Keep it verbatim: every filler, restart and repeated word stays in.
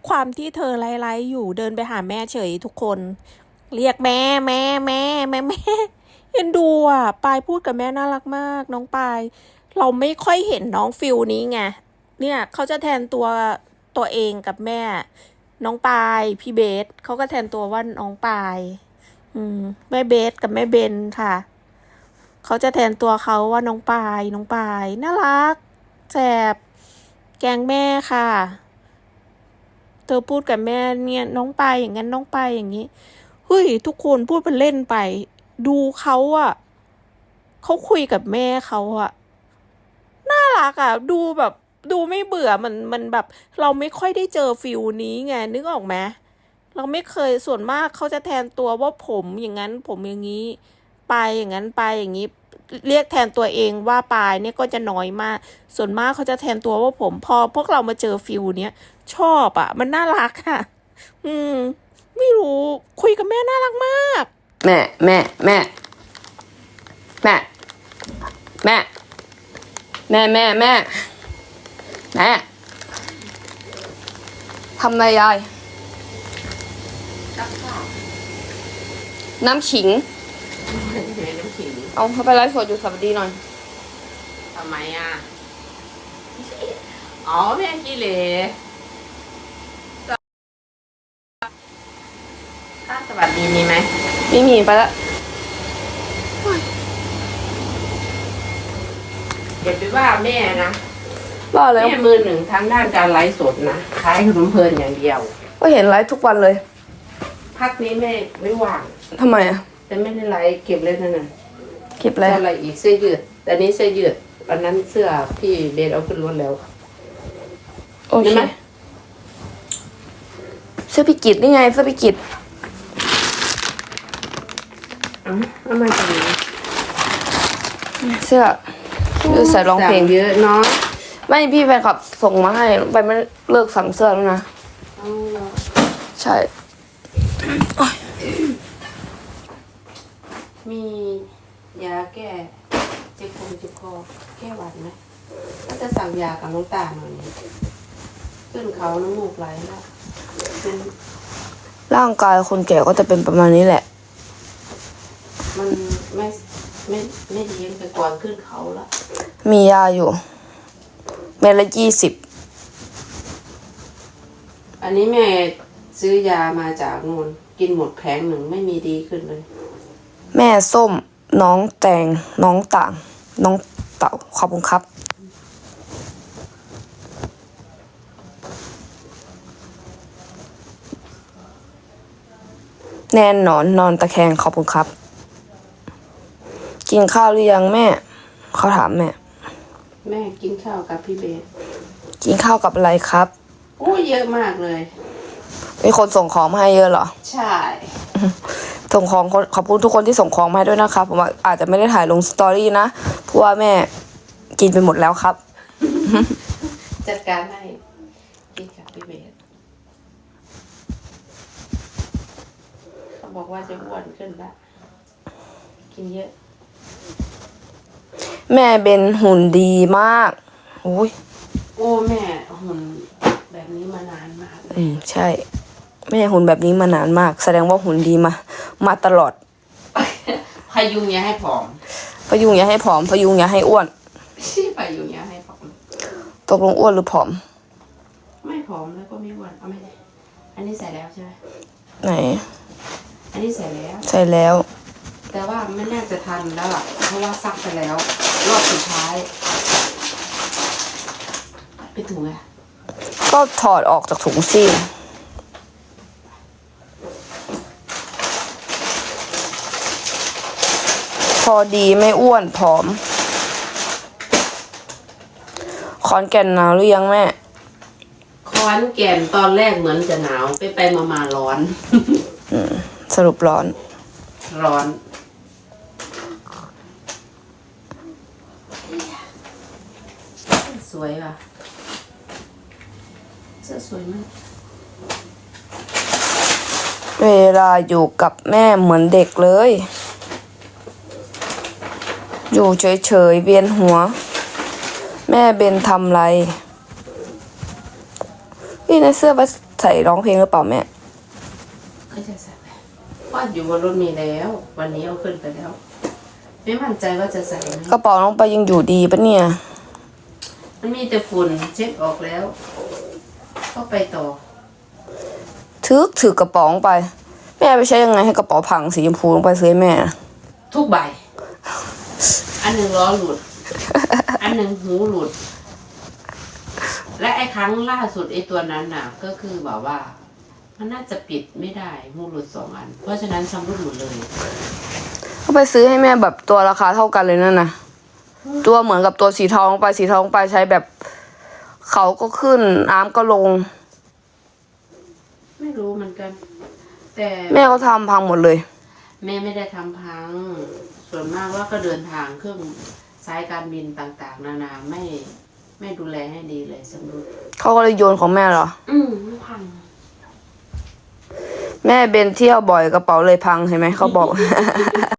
ความที่เธอไลฟ์อยู่เดินไปหาแม่เฉยทุกคน เรียกแม่แม่แม่แม่แม่เอ็นดูอ่ะปายพูดกับแม่น่ารักมากน้องปายเราไม่ค่อยเห็นน้องฟิลนี้ไงเนี่ยเขาจะแทนตัวตัวเองกับแม่น้องปายพี่เบสเขาก็แทนตัวว่าน้องปายอืมแม่เบสกับแม่เบนค่ะเขาจะแทนตัวเขาว่าน้องปายน้องปายน่ารักแสบแกงแม่ค่ะเธอพูดกับแม่เนี่ยน้องปายอย่างนั้นน้องปายอย่างนี้เฮ้ยทุกคนพูดเป็นเล่นไปดูเขาอะเขาคุยกับแม่เขาอะน่ารักอะดูแบบดูไม่เบื่อมันมันแบบเราไม่ค่อยได้เจอฟิลนี้ไงนึกออกไหมเราไม่เคยส่วนมากเขาจะแทนตัวว่าผมอย่างนั้นผมอย่างนี้ปายอย่างนั้นปายอย่างนี้เรียกแทนตัวเองว่าปายเนี่ยก็จะน้อยมากส่วนมากเขาจะแทนตัวว่าผมพอพวกเรามาเจอฟิลเนี้ยชอบอะมันน่ารักอะอืมไม่รู้คุยกับแม่น่ารักมากแม่แม่แม่แม่แม่แม่แม่แม่แม่ทำอะไรยายน้ำขิงน้ำขิงเอาเขาไปไลฟ์สดอยู่สวัสดีหน่อยทำไมอ่ะอ๋อแม่กิเลถ้าสวัสดีมีไหมไม่มีไปละเดี๋ยวไปว่าแม่นะว่าแล้วแม่มือหนึ่งทางด้านการไลฟ์สดนะขายขนมเพลินอย่างเดียวก็เห็นไลฟ์ทุกวันเลยพักนี้แม่ไม่ว่างทำไมอ่ะแต่ไม่ได้ไลฟ์เก็บเลยนั่นน่ะเก็บอะไรอะไรอีกเสื้อยืดแต่นี้เสื้อยืดวันนั้นเสื้อพี่เบสเอาขึ้นรถแล้วโอเคเสื้อพิกิตนี่ไงเสื้อพิกิตอ๋อเอามาจากไหนเสื้อคือใส่ร้องเพลงเยอะเนาะไม่พี่แฟนคลับส่งมาให้ไปไม่เลิกสั่งเสื้อแล้วนะใช่มียาแก้เจ็บคอเจ็บคอแก้หวัดไหมก็จะสั่งยากับน้องตาหน่อยขึ้นเขาน้ำมูกไหลแล้วเป็นร่างกายคนแก่ก็จะเป็นประมาณนี้แหละมันไม่ไม่ไม่ดีไปก่อนขึ้นเขาแล้วมียาอยู่เม็ดละยี่สิบอันนี้แม่ซื้อยามาจากนูนกินหมดแผงหนึ่งไม่มีดีขึ้นเลยแม่ส้มน้องแตงน้องต่างน้องเต่าขอบคุณครับแน่นนอนนอนตะแคงขอบคุณครับกินข้าวหรือยังแม่เขาถามแม่แม่กินข้าวกับพี่เบสกินข้าวกับอะไรครับโอ้เยอะมากเลยมีคนส่งของมาให้เยอะเหรอใช่ส่งของขอบคุณทุกคนที่ส่งของมาให้ด้วยนะครับผมอาจจะไม่ได้ถ่ายลงสตอรี่นะเพราะว่าแม่กินไปหมดแล้วครับจัดการให้กินกับพี่เบสเขาบอกว่าจะอ้วนขึ้นละกินเยอะแม่เป็นหุ่นดีมากอุ้ยโอ้แม่หุ่นแบบนี้มานานมากอืมใช่แม่หุ่นแบบนี้มานานมากแสดงว่าหุ่นดีมามาตลอดพยุงอย่าให้ผอมพยุงอย่าให้ผอมพยุงอย่าให้อ้วนพยุงอย่าให้ผอมตกลงอ้วนหรือผอมไม่ผอมแล้วก็ไม่อ้วนเอาไม่ได้อันนี้ใส่แล้วใช่ไหมไหนอันนี้ใส่แล้วใส่แล้วแต่ว่าไม่น่าจะทันแล้วล่ะเพราะว่าซักไปแล้วรอบสุดท้ายไปถุงไงก็ถอดออกจากถุงซิพอดีไม่อ้วนผอมขอนแก่นหนาวหรือยังแม่ขอนแก่นตอนแรกเหมือนจะหนาวไปไปมามาร้อนสรุปร้อนร้อนสวยป่ะเสื้อสวยมากเวลาอยู่กับแม่เหมือนเด็กเลยอยู่เฉยๆเวียนหัวแม่เบนทำไรพี่ในเสื้อไปใส่ร้องเพลงหรือเปล่าแม่ก็จะใส่ว่าอยู่บนรถมีแล้ว วันนี้เอาขึ้นไปแล้ว ไม่มั่นใจว่าจะใส่ไหมกระเป๋าน้องไปยังอยู่ดีปะเนี่ยมันมีแต่ฝุ่นเช็ดออกแล้ว ก็ไปต่อถือถือกระเป๋าลงไป แม่ไปใช้ยังไงให้กระเป๋าพังสีชมพูลงไปซื้อให้แม่ทุกใบ อันหนึ่งล้อหลุด อันหนึ่งหูหลุด และไอ้ครั้งล่าสุดไอ้ตัวนั้นน่ะ ก็คือแบบว่า มันน่าจะปิดไม่ได้หูหลุดสองอัน เพราะฉะนั้นชำรุดหมดเลยก็ไปซื้อให้แม่แบบตัวราคาเท่ากันเลยนั่นนะตัวเหมือนกับตัวสีทองไปสีทองไปใช้แบบเขาก็ขึ้นน้ำก็ลงไม่รู้เหมือนกัน แต่แม่ก็ทำพังหมดเลยแม่ไม่ได้ทำพัง ส่วนมากว่าก็เดินทางเครื่องสายการบินต่างๆ นานาไม่ไม่ดูแลให้ดีเลยสำรุดเขาก็เลยโยนของแม่เหรออืมพังแม่เบนเที่ยวบ่อยกระเป๋าเลยพังเห็นไหมเขาบอก